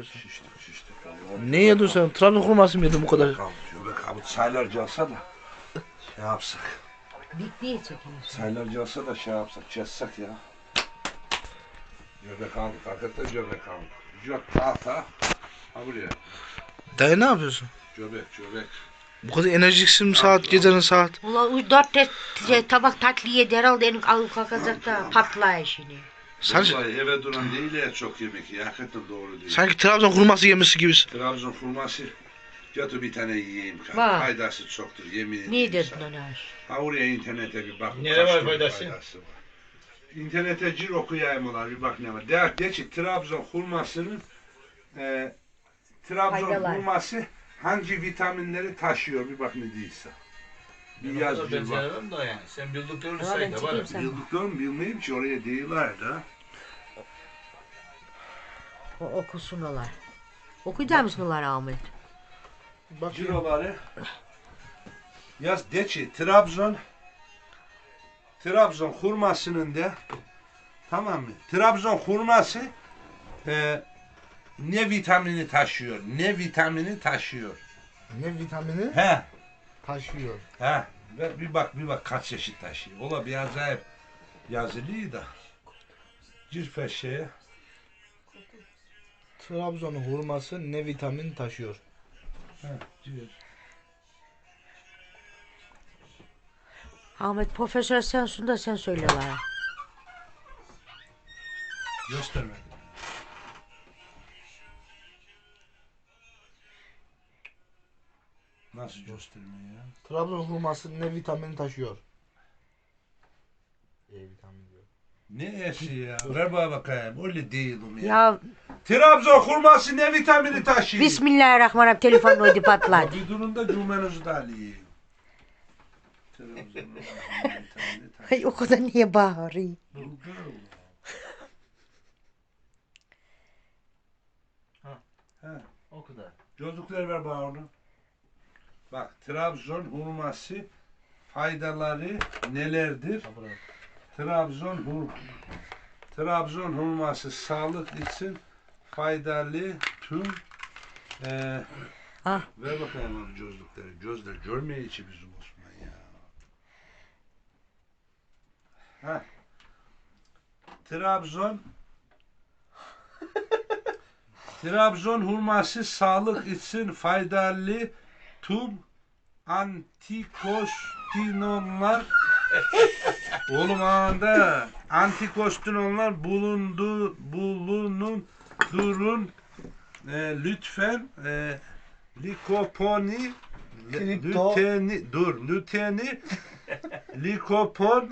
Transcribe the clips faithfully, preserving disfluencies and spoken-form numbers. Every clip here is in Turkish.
yapıyorsun? Şiştik şiştik. Ne yedin sen? Trabzon hurması mı yedin bu kadar? Göbek abi çaylarca alsa da şey yapsak. Bittiye çekiyorsun. Çaylarca alsa da şey yapsak, çessek ya. Göbek aldık, hakikaten göbek aldık. Yok tahta. Ha buraya. Dayı ne yapıyorsun? Göbek, göbek. Bu kadar enerjiksin saat, gecenin saat. Ulan dört te, te, tabak tatlı yedi herhalde elim alıp kalkacak da patlaya şimdi. Sadece, Vallahi eve duran değil ya çok yemek ya. Hakikaten doğru değil. sanki Trabzon hurması yemişsi gibisin. Trabzon hurması. Götür bir tane yiyeyim. Var. Faydası çoktur yemin ederim. Niye dedin sana. ona? Ha oraya internete bir bak. Nere kaç var türlü faydası? var. İnternete gir okuyayım olar bir bak ne var. De, de ki Trabzon hurmasının e, Trabzon Faydalar. hurması hangi vitaminleri taşıyor bir bak ne değilse. Bir yaz Ben bir bak. sevmem da yani. Sen bildiklerini Ama say ben da var. çekeyim sen. Bildiklerim bilmeyeyim ki oraya değiller de. O, okusun olar. Okuyacak mısın olar Ahmet? Bak Ciroları yaz de ki Trabzon Trabzon hurmasının da tamam mı? Trabzon hurması e, ne vitamini taşıyor? Ne vitamini taşıyor? ne vitamini He. taşıyor. He. Ve bir bak bir bak kaç çeşit taşıyor. Ola bir acayip yazılıydı da. Cirfe şeye. Trabzon hurması ne vitamin taşıyor? He. Cir. Ahmet profesör sensin da sen söyle bana. Göstermedi. Nasıl göstermiyor ya? Trabzon hurması ne vitamin taşıyor? E vitamini diyor. Ne eşi ya? Ver bana bakayım. Öyle değilim ya. Ya Trabzon hurması ne vitamini taşıyor? Bismillahirrahmanirrahim telefonun oydu patladı. Bir durun da cümlenizi de alayım. Trabzon hurması ne vitamini taşıyor? Ay o kadar niye bağırıyor? Bulgar oğlu. Ha. He. O kadar. Gözlükler ver bana onu. Bak Trabzon hurması faydaları nelerdir? Trabzon hur Trabzon hurması sağlık için faydalı tüm e, Ah. ver bakayım abi gözlükleri. Gözler görmeye içi bizim Osman ya. Ha. Trabzon Trabzon hurması sağlık için faydalı tüm antikostinonlar oğlum anda antikostinonlar bulundu bulunun durun e, lütfen e, likoponi Kripto. lüteni dur lüteni likopon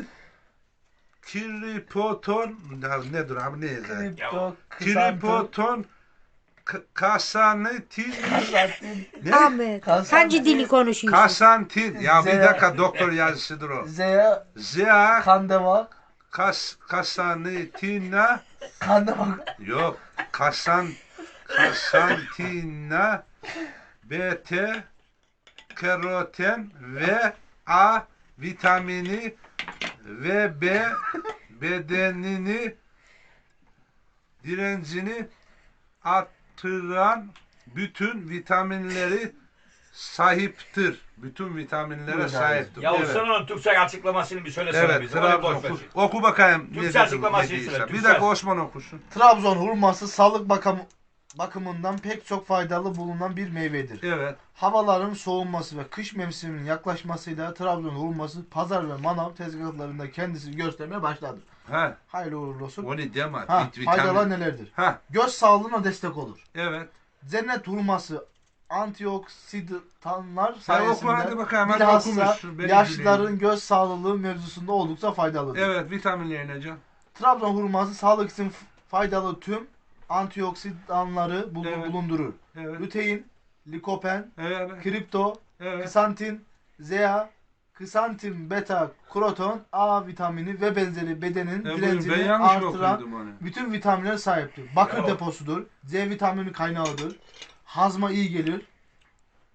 kripoton ya nedir abi ne yazar? Kripto, Kripoton K- kasanetin ne? Ahmet hangi dili konuşuyorsun? Kasantin. Ya bir Z- dakika doktor yazısıdır o. Zeya Zea kandevak. kas kasanetina Kandevak. yok. Kasan kasantina beta karoten ve A vitamini ve B bedenini direncini artıran bütün vitaminleri sahiptir. Bütün vitaminlere Buyurun sahiptir. Ya Evet. sen onun Türkçe açıklamasını bir söylesene Evet, bize. Onu Trabzon. boş ver. Oku, oku bakayım. Türkçe ne dedi- açıklamasını ne değilse. söyle, Bir Türkçe. dakika Osman okusun. Trabzon hurması sağlık bakım bakımından pek çok faydalı bulunan bir meyvedir. Evet. Havaların soğuması ve kış mevsiminin yaklaşmasıyla Trabzon hurması pazar ve manav tezgahlarında kendisini göstermeye başladı. Ha, Hayırlı uğurlu olsun. o ne deme. Ha, Vit- faydalar vitamin. nelerdir? Ha, Göz sağlığına destek olur. evet. Cennet hurması antioksidanlar Sen oku hadi sayesinde bakayım. Hadi bilhassa okumuşsun. Benim yaşlıların dileğim. göz sağlığı mevzusunda oldukça faydalıdır. Evet, vitaminleri ne can? Trabzon hurması sağlık için f- faydalı tüm antioksidanları bul- Evet. bulundurur. Evet. Lutein, likopen, Evet. kripto, Evet. ksantin, zea, ksantin beta karoten, A vitamini ve benzeri bedenin E, buyurun, ben direncini yanlış mı artıran okudum onu? bütün vitaminlere sahiptir. Bakır Ya. deposudur. C vitamini kaynağıdır. Hazma iyi gelir.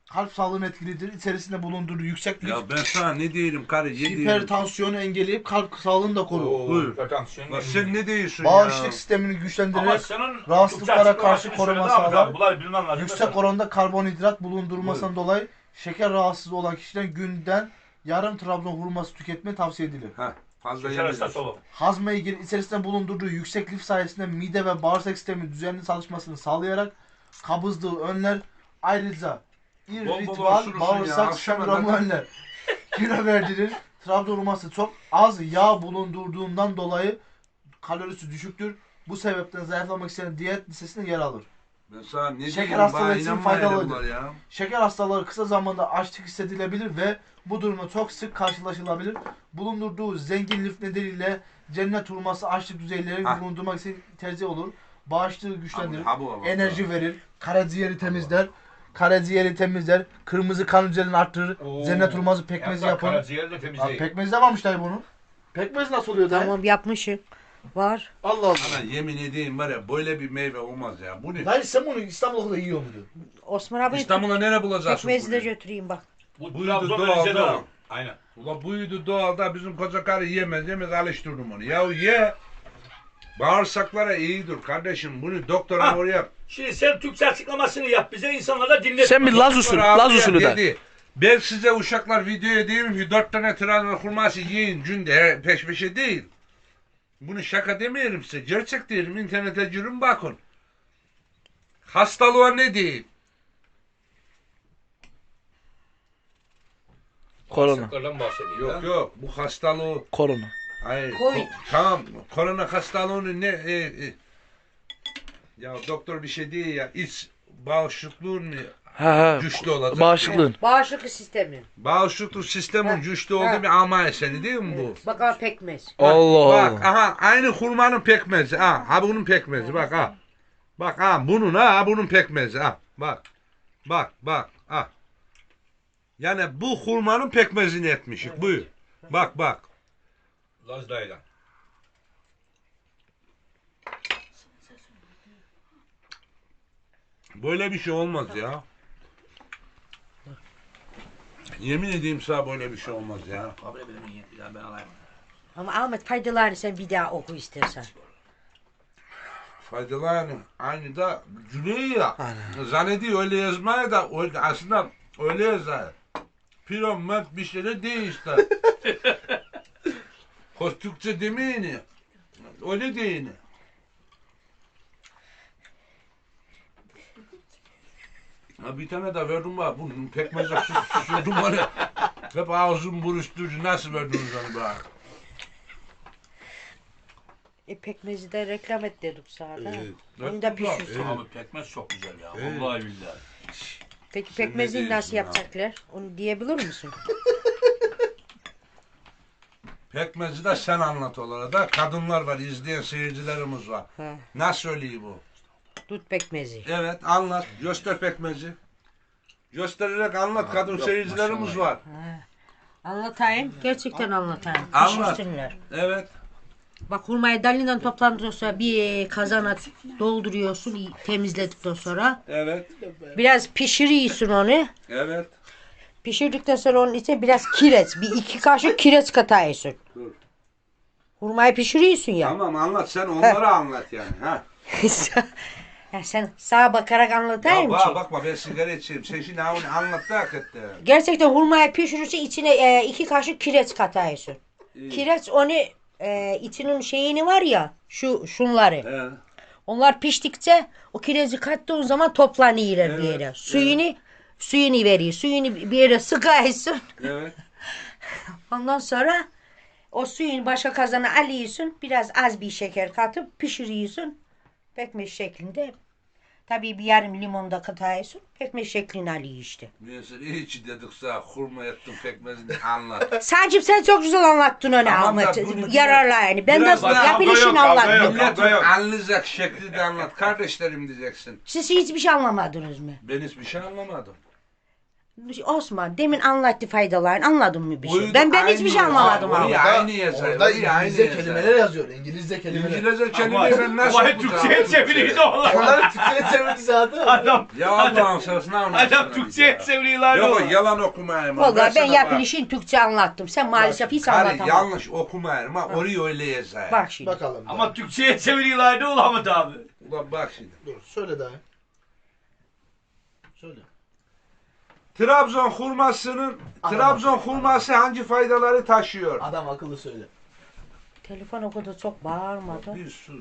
kalp sağlığına etkilidir. İçerisinde bulundurduğu yüksek lif, Ya ben sana ne diyelim karı yediğim. hipertansiyonu engelleyip kalp sağlığını da korur. Oo, Buyur. hipertansiyon Bak geliyor. sen ne diyorsun Bağışıklık ya? sistemini Ama güçlendirerek senin rahatsızlıklara Türkçe karşı açıklamasını koruma söyle abi, sağlar. Bunları bilmem lazım. Yüksek oranda karbonhidrat bulundurmasından dolayı şeker rahatsızlığı olan kişilerin günden yarım Trabzon hurması tüketmeyi tavsiye edilir. Heh, fazla Şeker hastası yemedim. olur. Hazma ilgili içerisinde bulundurduğu yüksek lif sayesinde mide ve bağırsak sistemi düzenli çalışmasını sağlayarak kabızlığı önler. Ayrıca bol irritibal osurursun ya, bağırsak akşama sendromu kadar. önler. Kilo verdirir. Trabzon hurması çok az yağ bulundurduğundan dolayı kalorisi düşüktür. Bu sebepten zayıflamak isteyen diyet listesinde yer alır. Ben sana ne Şeker diyeyim, hastalığı bana için inanmayın faydalıdır. bunlar ya. Şeker hastaları kısa zamanda açlık hissedilebilir ve bu durumda çok sık karşılaşılabilir. Bulundurduğu zengin lif nedeniyle cennet hurması açlık düzeylerini Ha. bulundurmak için tercih olur. Bağışıklığı güçlendirir, Ha bu, ha bu, ha bu. enerji verir, karaciğeri temizler, karaciğeri temizler, kırmızı kan hücrelerini arttırır, Oo. cennet hurması pekmezi Yaprak, yapın. Karaciğer de Abi temizleyin. pekmezi de varmış dayı bunun. Pekmez nasıl oluyor dayı? Tamam yapmışım. Var. Allah Allah. Ana yemin edeyim var ya böyle bir meyve olmaz ya. Bu ne? Dayı sen bunu İstanbul'da yiyor muydun? Osman abi İstanbul'a nereye bulacaksın? pekmezi de bunu? götüreyim bak. Bu Buydu Trabzon doğal, Rize'de doğal. var. Aynen. Ula buydu doğalda bizim koca karı yemez yemez alıştırdım onu. Ya ye. Bağırsaklara iyidir kardeşim. Bunu doktora Ha. oraya. Şimdi sen Türkçe açıklamasını yap bize, insanlara dinlet. Sen bir Laz usulü, Doktor Laz abiye usulü de. dedi, ben size uşaklar videoya diyorum ki dört tane Trabzon hurması yiyin günde her- peş peşe değil. Bunu şaka demiyorum size. Gerçek diyorum. İnternete girin bakın. Hastalığa ne değil? Korona. Bağırsaklardan bahsediyor. Yok yok bu hastalığı Korona. hayır. Covid. ko- tamam korona hastalığını ne e, e. Ya doktor bir şey değil ya iç bağışıklığın mı Ha ha. güçlü olacak? Bağışıklığın. Bağışıklık sistemi. Bağışıklık sistemin Ha, güçlü ha. olduğu bir ama eseri değil mi bu? Bak abi pekmez. Allah Bak Allah. aha aynı hurmanın pekmezi ha. Ha bunun pekmezi bak ha. Bak ha bunun ha, ha bunun pekmezi ha. Bak. Bak bak ha. Yani bu hurmanın pekmezini etmişik. Buyur. Bak bak. Laz dayıdan. Böyle bir şey olmaz ya. Yemin edeyim sana böyle bir şey olmaz ya. Kabul edelim bir daha ben alayım. Ama Ahmet faydalarını sen bir daha oku istersen. Faydalarını aynı da Güney ya. Zannediyor öyle yazmaya da öyle, aslında öyle yazar. Piromet bir şey de değil işte. Hoş Türkçe demeyin. Öyle değil. Ha bir tane de verdim bana. Bunun pekmezle süs sürdüm bana. Hep ağzım buruşturucu. Nasıl verdiniz onu bana? E pekmezi de reklam et dedik sana. da. Evet. Onu da Güzel, pişirsin. evet. Abi pekmez çok güzel ya. Evet. Vallahi billahi. Peki Sen ne pekmezi diyorsun nasıl ya? yapacaklar? Onu diyebilir misin? Pekmezi de sen anlat olarak da. Kadınlar var, izleyen seyircilerimiz var. Ha. Nasıl söyleyeyim bu? Dut pekmezi. Evet anlat. Göster pekmezi. Göstererek anlat. Kadın seyircilerimiz var. Ha. Anlatayım. Gerçekten anlatayım. Anlat. Pişirsinler. Evet. Bak hurmayı dalinden toplandıktan sonra bir kazana dolduruyorsun iyi- temizledikten sonra. Evet. Biraz pişiriyorsun onu. Evet. Pişirdikten sonra onun içine biraz kireç. Bir iki kaşık kireç katıyorsun. Dur. Hurmayı pişiriyorsun ya. Tamam anlat. Sen onları anlat yani. Ha. Ya sen sağa bakarak anlatayım Ya ki. bak, bakma ben sigara içeyim. Sen şimdi ha onu anlat da hakikaten. Gerçekten hurmayı pişirirse içine e, iki kaşık kireç katıyorsun. İyi. Kireç onu e, içinin şeyini var ya şu şunları. He. Onlar piştikçe o kireci kattığın zaman toplanıyorlar Evet, bir yere. Suyunu suyunu veriyor. Suyunu bir yere sıkıyorsun. Evet. Ondan sonra o suyunu başka kazana alıyorsun. Biraz az bir şeker katıp pişiriyorsun. Pekmez şeklinde. Tabii bir yarım limon da katıyorsun. Pekmez şeklini alıyor işte. Neyse hiç dedik sana hurma ettim pekmezini anlat. Sadece sen çok güzel anlattın onu Tamam da Ahmet. bunu- Yararlı yani. Ben de Biraz daha yapılışını kavga yok, kavga anlattım. yok. Milletin yok. anlayacak şekli de anlat. Kardeşlerim diyeceksin. Siz hiçbir şey anlamadınız mı? Ben hiçbir şey anlamadım. Osman demin anlattı faydalarını anladın mı bir şey? Uydu Ben ben hiçbir aynı şey anlamadım yazar. abi. Oraya aynı yazar. Orada oraya aynı İngilizce yazar. kelimeler yazıyor. İngilizce kelimeler. İngilizce kelimeyi ben nasıl Ama okutacağım? Türkçe'ye çeviriyordu oğlum. Onları Türkçe'ye çevirdi zaten. Adam, Ya Allah'ın sırasına anlatsana. adam Türkçe'ye çeviriyorlar Yok oğlum. yalan okumayayım. Vallahi ben Versene bak. yapılışın Türkçe anlattım. Sen maalesef hiç Karı anlatamam. yanlış okumayayım ha. Orayı öyle yazar. Bak şimdi. Bakalım. Ama Türkçe'ye çeviriyorlardı oğlum Ahmet abi. Ulan bak şimdi. Dur söyle daha. Söyle. Trabzon hurmasının Adam Trabzon akıllı. hurması hangi faydaları taşıyor? Adam akıllı söyle. Telefon o kadar çok bağırmadı. Bir sus.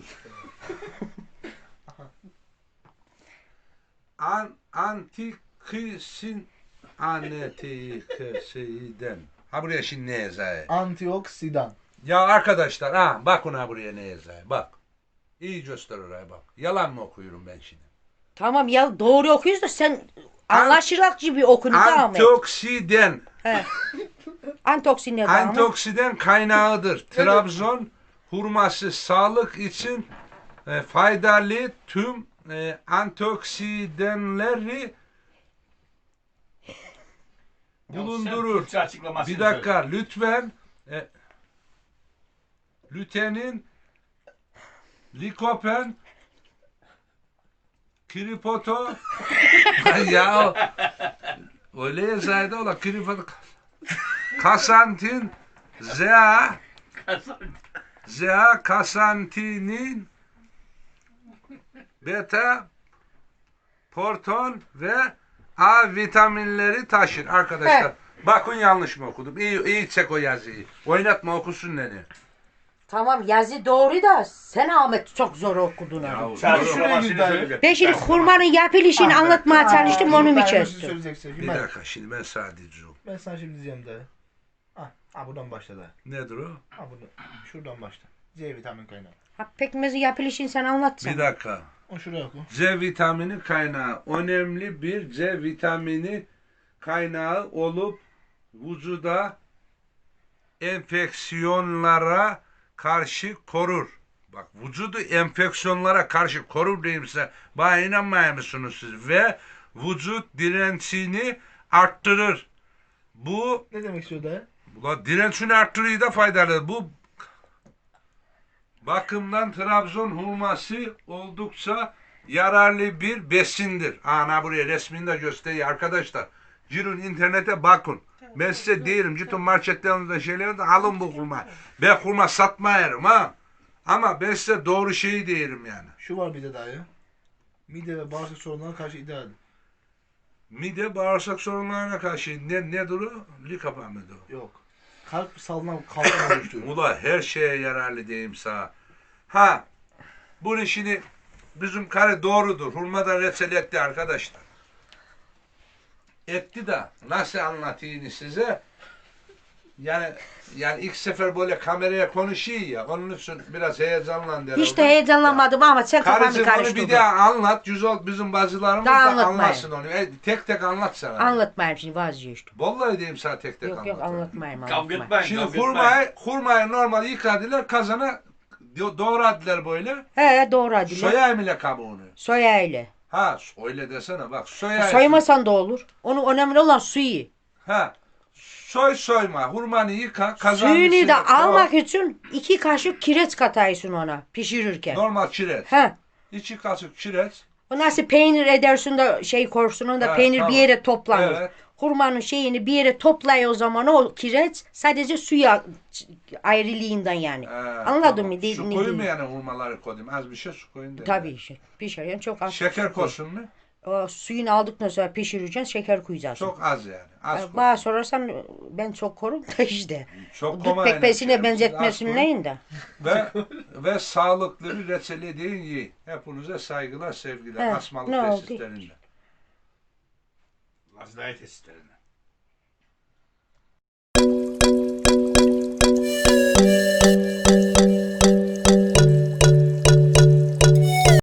An antikisin antikisiden. Ha buraya şimdi ne yazar? Antioksidan. Ya arkadaşlar ha bak ona buraya ne yazar. Bak. İyi göster oraya bak. Yalan mı okuyorum ben şimdi? Tamam ya doğru okuyoruz da sen anlaşılak gibi okunu devam et. Antioksidan. He. Antoksin ne devam et? Antioksidan kaynağıdır. Trabzon hurması sağlık için e, faydalı tüm e, antioksidanları bulundurur. Türkçe açıklamasını Bir dakika lütfen e, lütenin, likopen, kripoto ya öyle yazaydı ola kripoto kasantin zea söyle. zea kasantinin beta porton ve A vitaminleri taşır arkadaşlar. He. Bakın yanlış mı okudum? İyi, iyi çek o yazıyı. Oynatma okusun beni. Tamam yazı doğru da sen Ahmet çok zor okudun onu. Yahu, Sen doğru. şuraya git şuraya dayı. git. Ben şimdi hurmanın yapılışını anlatmaya çalıştım onu mu Ben bir şey kestim? söyleyeceksin. Bir Ben, dakika şimdi ben sadece o. ben sana şimdi diyeceğim dayı. Ha, ha buradan başla dayı. Nedir o? Ha buradan. Şuradan başla. C vitamini kaynağı. Ha, pekmezin yapılışını sen anlatsana. Bir dakika. O şuraya oku. C vitamini kaynağı. Önemli bir C vitamini kaynağı olup vücuda enfeksiyonlara karşı korur. Bak vücudu enfeksiyonlara karşı korur diyeyim size. Bana inanmıyor musunuz siz? Ve vücut direncini arttırır. Bu Ne demek istiyor dayı? Ula direncini arttırıyor da faydalı. Bu bakımdan Trabzon hurması oldukça yararlı bir besindir. Ana buraya resmini de gösteriyor arkadaşlar. Girin internete bakın. Ben size değilim. Gittin marketlerinizde şeylerinde alın bu hurma. Ben hurma satmayarım ha. Ama ben size doğru şeyi değilim yani. Şu var bir de dayı. Mide ve bağırsak sorunlarına karşı ideal. Mide bağırsak sorunlarına karşı ne, nedir o? Likapa mıdır o? Yok. Kalp salına kalkan oluşturuyor. Ula her şeye yararlı diyeyim sana. Ha, bunun işini bizim karı doğrudur. Hurmadan reçel etti arkadaşlar. Etti de nasıl anlatayım size? Yani yani ilk sefer böyle kameraya konuşuyor ya. Onun için biraz heyecanlandı. Hiç de heyecanlanmadım ama sen kafanı Karıcığım onu bir karıştırdın. daha anlat. Güzel bizim bacılarımız Daha da anlatmayın. anlatsın onu. E, tek tek anlatsana. Anlatmayayım şimdi vazgeçtim. Vallahi diyeyim sana tek tek Yok anlat. yok anlatmayayım Kavga anlatmayayım. etmeyin. Şimdi kavga etmeyin. hurmayı, hurmayı normal yıkadılar kazana do- doğradılar böyle. He doğru hadi. Soya. Soyayım ile kabuğunu. Soya ile. Ha öyle desene bak soyayım. Soymasan da olur. Onun önemli olan suyu. Ha soy soyma hurmanı yıka kazanın Suyunu içine da koy. almak için iki kaşık kireç kataysın ona pişirirken. Normal kireç. He. İki kaşık kireç. O nasıl peynir edersin de şey korsun onu da Ha, peynir tamam. bir yere toplanır. Evet. Hurmanın şeyini bir yere toplay o zaman o kireç sadece suya ayrılığından yani. Ee, Anladın tamam. mı? De- Su ne koyayım mı diyeyim? yani hurmaları koyayım? Az bir şey su koyayım. dedim. Tabii işte pişirirken çok az. Şeker koysun mu? O suyunu aldıktan sonra pişireceksin şeker koyacaksın. Çok az yani. Az Yani koy. bana sorarsan ben çok korum da işte. Çok Dut koymayın. pekmezine Siz az benzetmesin koyun. neyin de. Ve ve sağlıklı bir reçeli deyin yiyin. Hepinize saygılar, sevgiler. He, Asmalık ne oldu? tesislerinde. Lazlaya tesislerine.